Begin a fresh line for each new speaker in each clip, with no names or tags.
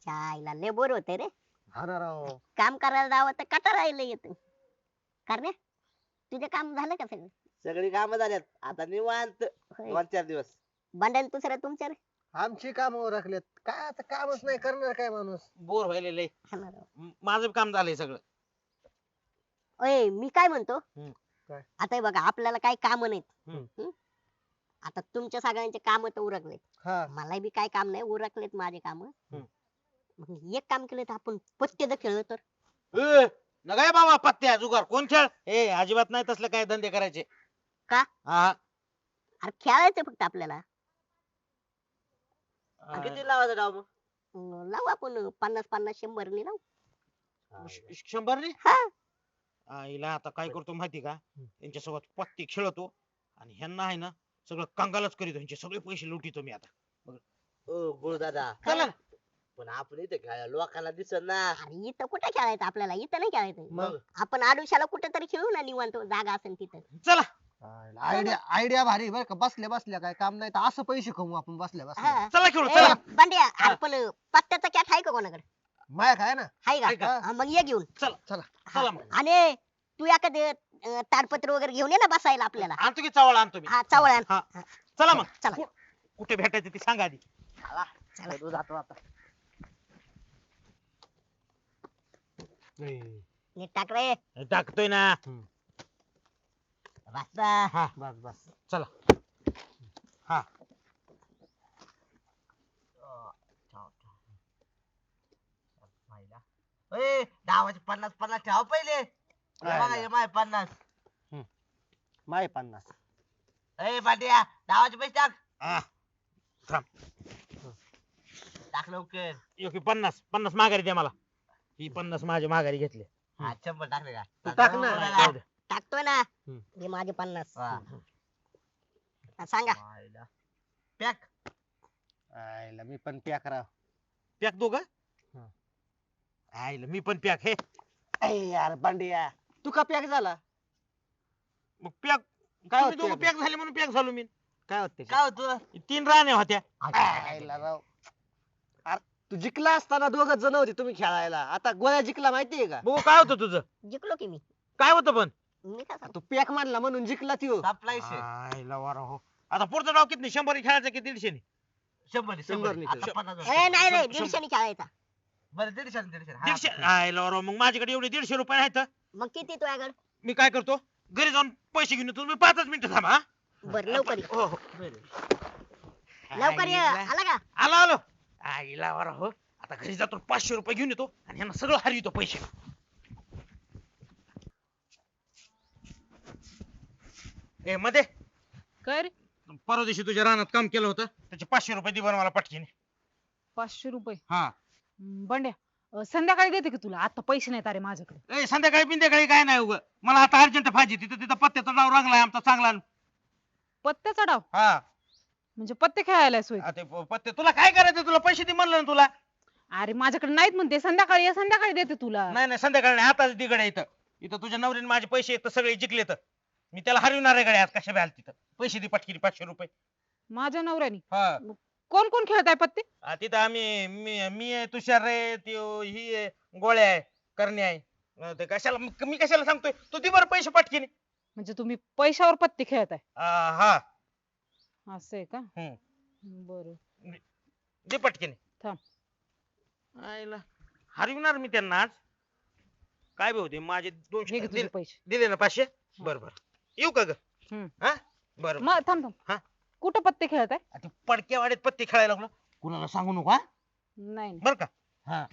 चायला लय बोर होते रे.
हा ना राव.
काम करायला जावं तर कटाळा येत. करण्या तुझे काम झालं का सगळं?
सगळी कामं झाल्यात आता निवांत
होय.
2-4 दिवस.
बंडल दुसरं तुमच्या रे?
आमची काम ओरखलेत काय आता कामच नाही करणार काय माणूस.
बोर व्हायलेलं आहे.
हा ना राव.
माझं काम झालंय सगळं.
ओय मी काय म्हणतो,
काय?
आता हे बघा आपल्याला काही काम नाहीत.
हम्म.
हम्म? आता तुमच्या सगळ्यांचे काम तर उरकलेत.
हा
मला बी काय काम नाही, उरकलेत माझे काम.
हम्म.
मग एक काम केलं तर आपण पत्ते जर खेळलो तर?
नगाय बाबा पत्त्या जुगार कोण खेळ ए अजिबात नाही तसले काय धंदे करायचे.
का?
हा
अरे खेळायचं फक्त आपल्याला.
किती लावायचा डाव मग?
लावू आपण 50-50 100 ने लावू.
100 ने
हा.
आईला आता काय करतो माहिती का यांच्यासोबत पत्ते खेळतो आणि ह्यांना आहे ना सगळं कंगालच करीतो ह्यांचे सगळे पैसे लुटितो मी आता.
ओ गुळ दादा
चला ना.
पण आपण इथे खेळायला लोकांना दिसत ना.
अरे इथं कुठे खेळायचं आपल्याला, इथं नाही खेळायचं.
मग
आपण आडुशाला कुठेतरी खेळू ना निवांत, जागा असेल तिथं.
चला
आयडिया आयडिया भारी बरं का. बसल्या बसल्या काय काम नाही तर असं पैसे कमवू आपण बसल्या बसल्या.
हा.
चला खेळू
ए,
चला.
बंड्या अरे पण पत्त्याचा कॅट आहे का कोणाकडे?
माया काय ना.
आहे
आहे
का?
का?
हा, मग ये घेऊन.
चला
चला मग
आणि तू एखादे ताडपत्र वगैरे घेऊन ये ना बसायला आपल्याला.
आणतो की चावळ आणतो मी.
हा चावळ आण.
हा. चला मग
चला.
कुठे भेटायचं ते सांगा आधी.
चला.
तू जातो आता.
नीट टाक रे.
टाकतोय ना.
बसा.
हा
बस बस.
चला. हा
ए डावाचे 50-50 ठेवा पहिले. हे बघा हे माय 50.
माय 50.
ए पाट्या डावाचे पैसे टाक.
हा. थांब.
टाक लवकर.
योग्य 50 माघारी द्या मला. ही 50 माझ्या माघारी घेतले.
हा 100 टाकले का?
तू टाक ना.
जाऊ दे.
टाकतोय ना.
हम्म.
हे माझे 50.
वा.
हा, सांगा.
मायला. पॅक.
आयला मी पण प्या राव.
पॅक दोघं
हा.
आईला मी पण पॅक हे.
ए यार बांडिया तू का पॅक झाला?
मग पॅक
काय
तुम्ही
होतं
दोघं पॅक झाले म्हणून पॅक झालो मी.
काय होते
काय होतं?
3 राण्या होत्या.
आयला राव. अरे तू जिंकला असताना दोघच जण होते तुम्ही खेळायला. आता गोळ्या जिंकला माहितीये का?
बघू काय होतं तुझं
जिंकलो की मी.
काय होतं पण
मी काय सांगतो?
तू पॅक मानला म्हणून जिंकला ती.
सप्लाय शे.
आईला वारा हो. आता पुढचा डाव किती 100 खेळायचा की 150 ने?
100
100 ने.
आता 50.
ए नाही रे,
शंभर.
150 खेळायचा.
बरं 150. हा,
150 आईला वारा मग माझ्याकडे एवढे 150 रुपये आहेत.
मग किती तुझ्याकडे?
मी काय करतो घरी जाऊन पैसे घेऊन येतो. मी 5 मिनिटं थांबा हा.
बर लवकर ये.
हो हो
लवकर ये.
आईला-
आला का?
आलो आईला वारा हो. आता घरी जातो 500 रुपये घेऊन येतो आणि ह्यांना सगळं हरवितो पैसे. ए मध्ये
काय रे?
परवा दिवशी तुझ्या रानात काम केलं होतं त्याचे 500 रुपये दे बरं मला पटकीने.
500 रुपये?
हा
बंड्या संध्याकाळी देते की तुला, आता पैसे नाहीत अरे माझ्याकडे.
ए संध्याकाळी बिंध्याकाळी काय नाही उगं मला आता अर्जंट पाहिजे. तिथं पत्त्याचा डाव रंगलाय आमचा चांगला.
पत्त्याचा डाव?
हा
म्हणजे पत्ते खेळायला सोय?
आ, ते पत्ते तुला काय करायचं तुला पैसे दे म्हणलं ना तुला.
अरे माझ्याकडे नाहीत म्हणते, संध्याकाळी ये, संध्याकाळी देते तुला.
नाही संध्याकाळी नाही आताच दिगड इथं. इथं तुझ्या नवरीने माझे पैसे आहेत तर सगळे जिंकले तर मी त्याला हरविणार आहे गड्या आज कशा बी तिथं. पैसे दे पटकीने 500 रुपये.
माझ्या नवऱ्याने?
हा
कोण कोण खेळताय पत्ते?
तिथं आम्ही मी आहे तुषार रे त्यो ही आहे, गोळ्या आहे करणे आहे. ते कशाला मी कशाला सांगतोय तू दे बरं पैसे पटकीने.
म्हणजे तुम्ही पैशावर पत्ते खेळताय?
हा
असं आहे का?
हम्म.
बरं
दे पटकीने.
थांब.
आईला हरविणार मी त्यांना आज. काय बी होते माझे
हे घे
200
तुझे पैसे.
दिले ना 500. बरं येऊ का ग?
हम्म.
हा बरं
मग थांब
हा?
थांब. कुठं पत्ते खेळताय?
ते पडक्यावाडीत पत्ते खेळायला लागलो. कुणाला सांगू नको हा
नाही नाही.
बर का? हा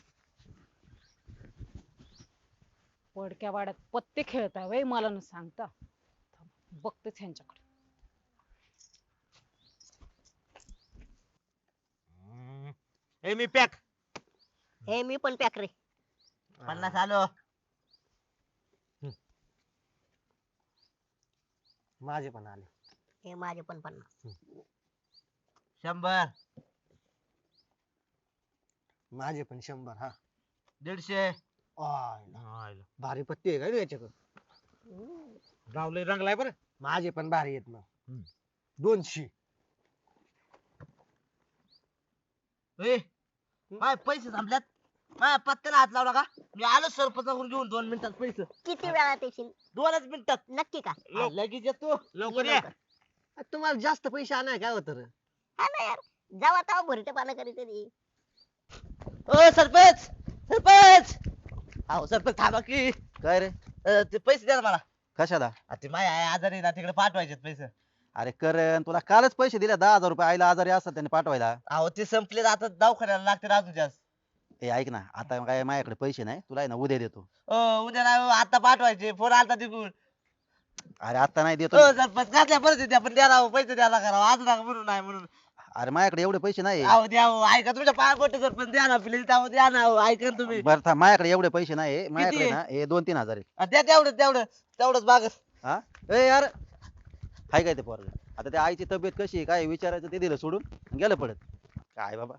पडक्या वाड्यात पत्ते खेळताय वय, मला न सांगता. थांब, बघतेच ह्यांच्याकडे.
ए मी पॅक.
हे मी पण पॅक रे.
50 आलो.
माझे पण आले.
हे माझे पण 50.
100.
माझे पण 100. हा
150.
आयला. भारी पत्ती आहे का रे याच्याकडे?
गावलंय रंगलाय बरं.
माझे पण भारी आहेत ना.
हम्म.
200.
ए माझे पैसे संपल्यात. माझ्या पत्त्याला हात लावला का मी आलो सरपंचाकडून घेऊन 2 मिनिटात पैसे.
किती वेळात येशील
2च मिनिटात.
नक्की का
लगेच येतो.
लवकर
ये
या.
लवकर.
तुम्हाला जास्त पैसे आणाय काय होत
हा ना यार जावा तेव्हा भरते पाना कधीतरी
ओ सरपंच सरपंच. अहो सरपंच थांबा की.
काय रे
ते पैसे द्या ना मला.
कशाला
ते माझ्या आई आजारी ना तिकडे पाठवायचे पैसे.
अरे करण तुला कालच पैसे दिले 10,000 रुपये आईला आजारी असतात त्याने पाठवायला.
अहो ते संपले आता दवाखान्याला लागते अजून जास्त.
हे ऐक ना आता काय माझ्याकडे पैसे नाही तुला आहे ना उद्या देतो.
उद्या नाही हो, आता पाठवायचे. फोन आलता तिकडून.
अरे आता नाही देतो.
सरपंच कसल्या परिस्थिती आपण द्या राव पैसे द्यायला करावं आज ना म्हणून नाही म्हणून.
अरे माझ्याकडे एवढे पैसे नाही.
अहो द्या हो, ऐका तुमच्या पाया पडते सरपंच द्या ना प्लीज द्या ना हो, ऐका ना तुम्ही.
बरं थांब माझ्याकडे एवढे पैसे नाही माझ्याकडे ना हे 2-3 हजार आहेत.
द्या तेवढंच बागच.
हा ए यार हाय काय ते पोरग आता त्या आईची तब्येत कशी आहे काय विचारायचं ते दिलं सोडून गेलं पडत काय बाबा.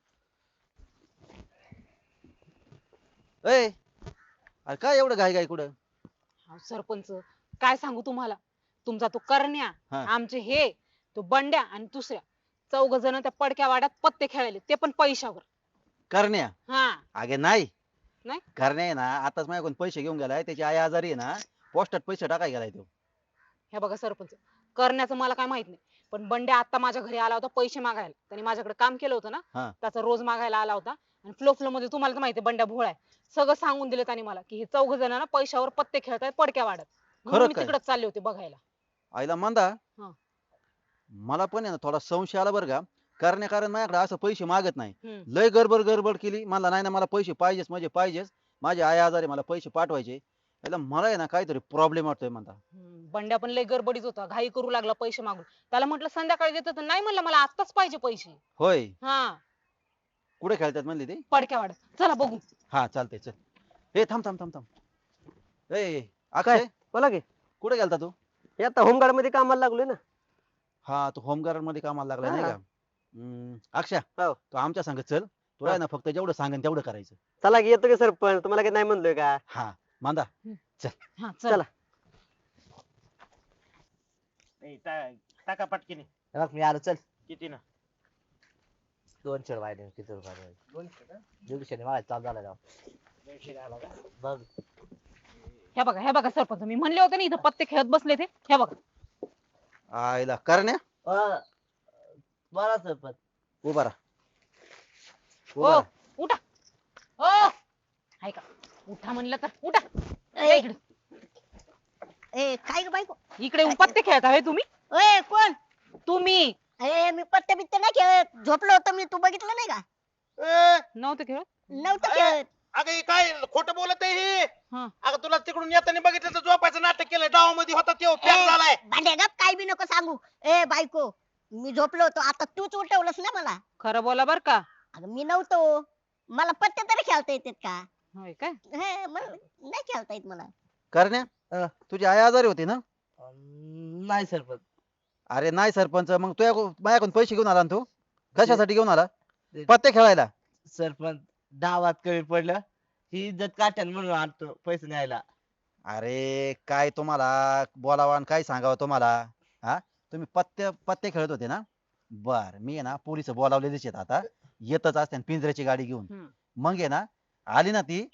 ए अरे काय एवढं घाई घाई कुठं
अहो, सरपंच काय सांगू तुम्हाला तुमचा तो करण्या
हा.
आमचे हे तो बंड्या आणि दुसऱ्या 4 जण त्या पडक्या वाड्यात पत्ते खेळायले ते पण पैशावर.
करण्या
हा
अगे नाही
नाही?
करण्या आहे ना आताच माझ्याकडून पैसे घेऊन गेलाय त्याची आई आजारी आहे ना पोस्टात पैसे टाकाय गेलाय तो.
हे बघा सरपंच करण्याचं मला काय माहित नाही पण बंड्या आता माझ्या घरी आला होता पैसे मागायला. त्यांनी माझ्याकडे काम केलं होतं
हा.
ना त्याचा रोज मागायला आला होता आणि फ्लो मध्ये तुम्हाला तर माहिती बंड्या भोळा आहे. सगळं सांगून दिलं त्यांनी मला की हे 4 जण ना पैशावर पत्ते खेळतायत पडक्या वाड्यात. म्हणून
खरं
मी
काय?
तिकडेच चालले होते बघायला.
आईला मंदा
हा.
मला पण आहे ना थोडा संशय आला बरं का कारण माझ्याकडे असं पैसे मागत नाही.
हम्म.
लय गडबड केली मला नाही ना मला पैसे पाहिजेच म्हणजे पाहिजेच माझी आई आजारी मला पैसे पाठवायचे. याला मला आहे ना काहीतरी प्रॉब्लेम वाटतोय म्हणता.
बंड्या पण लय गडबडीत होता घाई करू लागला पैसे मागून. त्याला म्हटलं संध्याकाळी देतो तर नाही म्हणलं मला आत्ताच पाहिजे पैसे.
होय
हा
कुठे खेळतात म्हणली ते.
पडक्या वाड्यात चला बघू.
हा चालतंय चल. ए थांब ए अक्षय
बोला की
कुठे गेलता तू.
हे आता होमगार्ड मध्ये कामाला लागलोय ना.
हा तू होमगार्ड मध्ये कामाला लागला नाही
हा.
का. अक्षय
हो.
तू आमच्या संग चल तुला आहे ना फक्त जेवढं सांगेन तेवढं करायचं.
चला की येतो की सरपंच तुम्हाला काही नाही म्हणलोय का.
हा मांदा
हा
चला.
चला.
ए, टाका पटकीने
मी आलो चल.
किती ना
200 वाढले किती रुपये 200 मला चालू झाला राव. बघ
हे बघा सरपंच मी म्हणले होते ना इथं पत्ते खेळत बसले ते. हे बघा
आईला करण्या
बरा सरपंच.
उभा राहा
हो
उभा राहा.
उठा. हो ऐका उठा म्हणलं तर उठा.
ए.
इकडे
ए काय ग बायको
इकडे येऊन पत्ते खेळता हे तुम्ही.
ए कोण
तुम्ही
ए मी पत्ते बित्ते नाही खेळत झोपलो होतो मी तू बघितलं नाही का
नव्हते खेळत.
नव्हतं खेळत.
अगं हे काय खोटं बोलत आहे हे.
हा.
अगं तुला तिकडून येताना बघितलं तर झोपायचं नाटक केलंय डावामध्ये होता तो पॅक
ए,
झालाय.
भांड्या गप काय बी नको सांगू. ए बायको मी झोपलो होतो आता तूच उठवलंस ना मला.
खरं बोला बर का.
अगं मी नव्हतो मला पत्ते तरी खेळता येतात का.
होय काय.
हे मला नाही खेळता येत मला.
करण्या तुझी आई आजारी होती ना.
नाही सरपंच.
अरे नाही सरपंच मग तुझ्या माझ्याकडून पैसे घेऊन आला ना तू कशासाठी घेऊन आला. पत्ते खेळायला.
सरपंच डावात कमी पडलं ही इज्जत काट्यान म्हणून आणतो पैसे न्यायला.
अरे काय तुम्हाला बोलावा आणि काय सांगावं तुम्हाला. हा तुम्ही पत्ते खेळत होते ना. बर मी आहे ना पोलिस बोलावलेलीच आहेत आता येतच असते पिंजऱ्याची गाडी घेऊन.
हम्म.
मग आहे ना आली ना ती.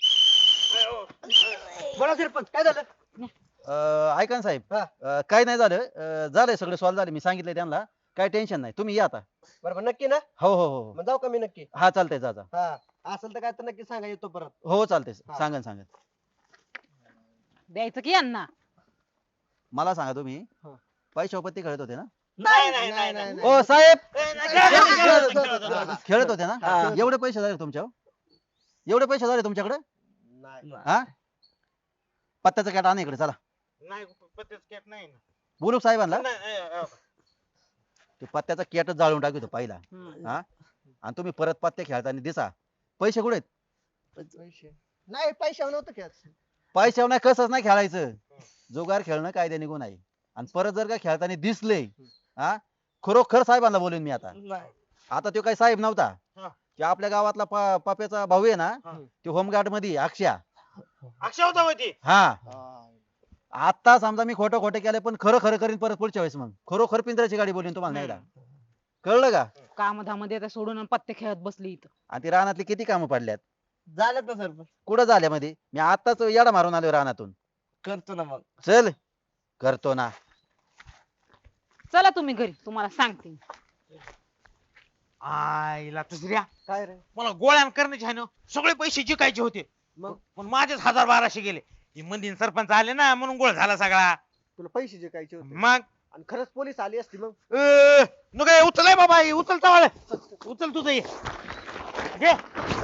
बोला सरपंच काय झालं.
ऐका ना साहेब काय नाही झालं झालंय सगळं सॉल्व्ह झालं मी सांगितलंय त्यांना काय टेन्शन नाही तुम्ही या आता.
बरोबर नक्की ना.
हो
मग जाऊ का मी नक्की.
हा चालतंय जा जा.
हा असेल तर काय तर नक्की सांगा येतो परत.
हो चालतंय
हा.
सांगन
द्यायचं की यांना.
मला सांगा तुम्ही
हा.
पैशावर पत्ते खेळत होते ना.
नाही.
ओ साहेब
ए, नाही.
खेळत होते ना.
हा.
एवढे पैसे झाले तुमच्यावर एवढे पैसे झाले तुमच्याकडे. हा पत्त्याचा कॅट आणा इकडे चला.
नाही पत्तेच कॅप नाही ना.
बोलू साहेबांना
नाही,
ते पत्त्याचा कॅटच जाळून टाकतो पहिला.
हम्म.
हा आणि तुम्ही परत पत्ते खेळताना दिसा पैसे कुठे आहेत?
नाही पैशावर नव्हतं खेळत.
पैशावर नाही कसंच नाही खेळायचं. जुगार खेळणं कायद्या निघून आहे आणि परत जर का खेळताना दिसले हा खरोखर साहेबांना बोलून मी आता. आता तो काही साहेब नव्हता
हा.
की आपल्या गावातला पाप्याचा भाऊ आहे ना
हा.
तो होमगार्ड मध्ये अक्षय.
अक्षय होता होती.
हा आता समजा मी खोटं केलं पण खरं करीन परत पुढच्या वेळेस मग खरोखर पिंजऱ्याची गाडी बोलीन तुम्हाला नाही का. कळलं का
कामधाम देता सोडून आणि पत्ते खेळत बसली इथं.
आणि ती रानातली किती कामं पडल्यात
झालं तर सरपंच
कुठं झाल्या मध्ये मी आताच येडा मारून आलो रानातून
करतो ना मग.
चल करतो ना
चला तुम्ही घरी तुम्हाला सांगते मी.
आईला दुसऱ्या
काय रे
मला गोळ्या करण्याचे आहे ना सगळे पैसे जिकायचे होते
मग
पण माझेच 1000-1200 गेले हे मंदीन सरपंच आले ना म्हणून गोळ झाला सगळा.
तुला पैसे जे कायचे होते
मग
आणि खरंच पोलीस आली असती मग
नको उचल बाबा उचल उचल तुझं हे. घे